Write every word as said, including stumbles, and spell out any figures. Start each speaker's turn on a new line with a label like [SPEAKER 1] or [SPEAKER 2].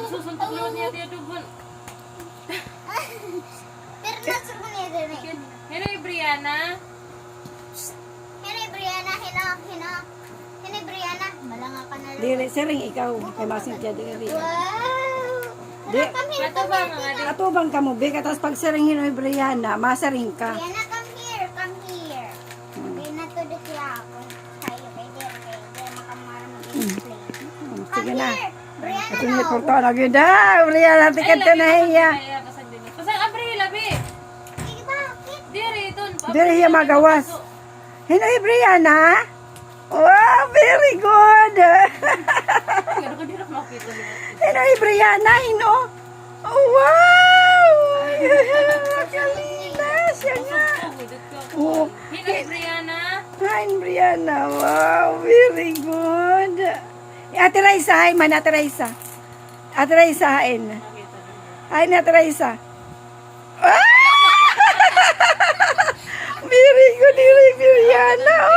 [SPEAKER 1] Susuntok naman niya tiya dubon.
[SPEAKER 2] Pero nasa ko niya din eh.
[SPEAKER 1] Hello, Brianna.
[SPEAKER 2] Hina Brianna, hina, hina. Hina Brianna, malanga ka na lang.
[SPEAKER 3] Dili, sering ikaw. Kay masing siya dili.
[SPEAKER 2] Wow!
[SPEAKER 3] Di,
[SPEAKER 2] Come here,
[SPEAKER 1] Ato
[SPEAKER 2] come
[SPEAKER 1] ba
[SPEAKER 2] here,
[SPEAKER 1] mga
[SPEAKER 2] Tina.
[SPEAKER 3] atubang ka mo, be. Tapos pag sering hinoy Brianna, masaring ka.
[SPEAKER 2] Brianna, come here, come here. Brianna, to the ako. Tayo, kay Dir, kay Dir, makamara mag-explain.
[SPEAKER 3] Hmm,
[SPEAKER 2] Come
[SPEAKER 3] Sige na.
[SPEAKER 2] here, Brianna,
[SPEAKER 3] Ito
[SPEAKER 2] no.
[SPEAKER 3] yung porto na ganda. Brianna, tikat ka na hiya.
[SPEAKER 1] Pasang Abril, abi.
[SPEAKER 2] Sige, bakit?
[SPEAKER 1] Diri, dun.
[SPEAKER 3] Dili hiya magawas. Hinoy Brianna. Wow, very good.
[SPEAKER 1] Pero ko dira makita niya.
[SPEAKER 3] Hinoy Brianna, hino. Oh, wow. Kalina siya nga. Oh,
[SPEAKER 1] Hello, Brianna.
[SPEAKER 3] hi, Brianna. Wow, very good. Ate Raisa, hi man, Ate Raisa. Ate Raisa, hain. Hi, Ate Raisa. Ah! Very good, very Brianna.